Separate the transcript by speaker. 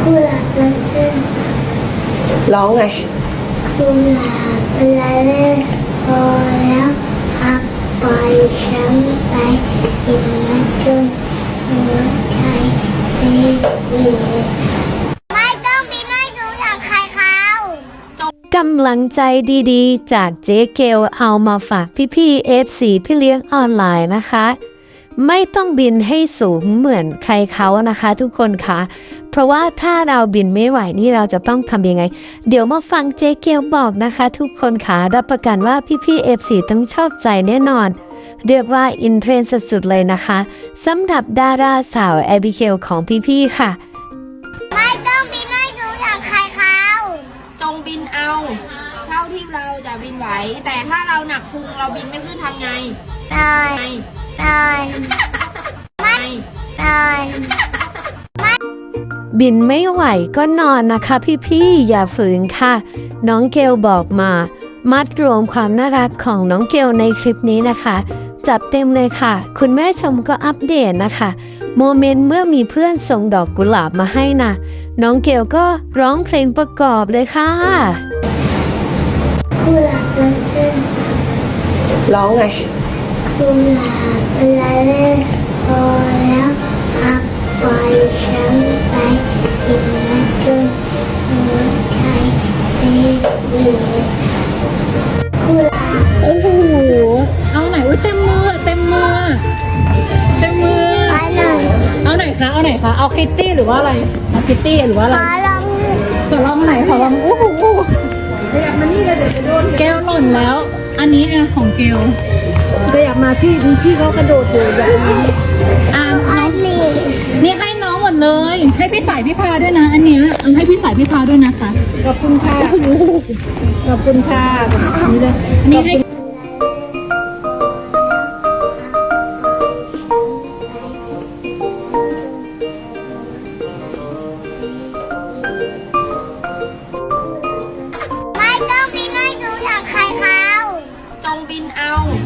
Speaker 1: กุหลาบมันเป็น
Speaker 2: ร้องไง
Speaker 1: กุหลาบละเล่พอแล้วพักปล่อยฉันไปกินมันจนหัวใจเสียไม่ต้องบินให้สูงอย่างใครเขา
Speaker 3: กำลังใจดีๆจากเจ๊เกลเอามาฝากพี่ๆ FC พี่เลี้ยงออนไลน์นะคะไม่ต้องบินให้สูงเหมือนใครเขานะคะทุกคนคะเพราะว่าถ้าเราบินไม่ไหวนี่เราจะต้องทำยังไงเดี๋ยวมาฟังเจ๊เกลบอกนะคะทุกคนคะรับประกันว่าพี่ๆ FC ต้องชอบใจแน่นอนเรียกว่าอินเทรนด์สุดๆเลยนะคะสำหรับดาราสาวแอบิเกลของพี่ๆค่ะ
Speaker 1: ไม่ต้องบินให้สูงอย่างใครเขา
Speaker 4: จงบินเอาเท่าที่เราจะบินไหวแต่ถ้าเราหนักพุงเราบินไม่ขึ้นทำไง
Speaker 1: นอน
Speaker 3: บินไม่ไหวก็นอนนะคะพี่ๆอย่าฝืนค่ะน้องเกลบอกมามัดรวมความน่ารักของน้องเกลในคลิปนี้นะคะจัดเต็มเลยค่ะคุณแม่ชมก็อัปเดตนะคะโมเมนต์เมื่อมีเพื่อนส่งดอกกุหลาบมาให้นะน้องเกลก็ร้องเพลงประกอบเลยค่ะ
Speaker 1: กุหลาบมันเป็น
Speaker 2: ร้องไง
Speaker 1: กุหลาบละเล่พอแล้วพักปล่อยฉันไปกินมันจนหัวใจเสียกุหลาบ
Speaker 5: โอ้โหเอาไหนอุ้ยเต็มมือเต็มมือเต็มมือ
Speaker 1: อันหนึ่ง
Speaker 5: เอาไหนคะเอาไหนคะเอาคิตตี้หรือว่าอะไรเอาคิตตี้หรือว่าอะไร
Speaker 1: ขอลอง
Speaker 5: ขอลองไหนขอลองโอ้โหอยากมานี่เลยเดี๋ยวจะโดนแก้วหล่นแล้วอันนี้อ่ะของเกลจะอยากมาพี่เขากระโดดอยู่อยากมาน้องนี่ให้น้องหมดเลยให้พี่สายพี่พาด้วยนะอันเนี้ยเอาให้พี่สายพี่พาด้วยนะคะขอบคุณค่ะขอบคุณค่ะนี่เลยอันนี้ให้
Speaker 1: ไม่ต้องบินให้สูงอย่างใครเขา
Speaker 4: จงบินเอา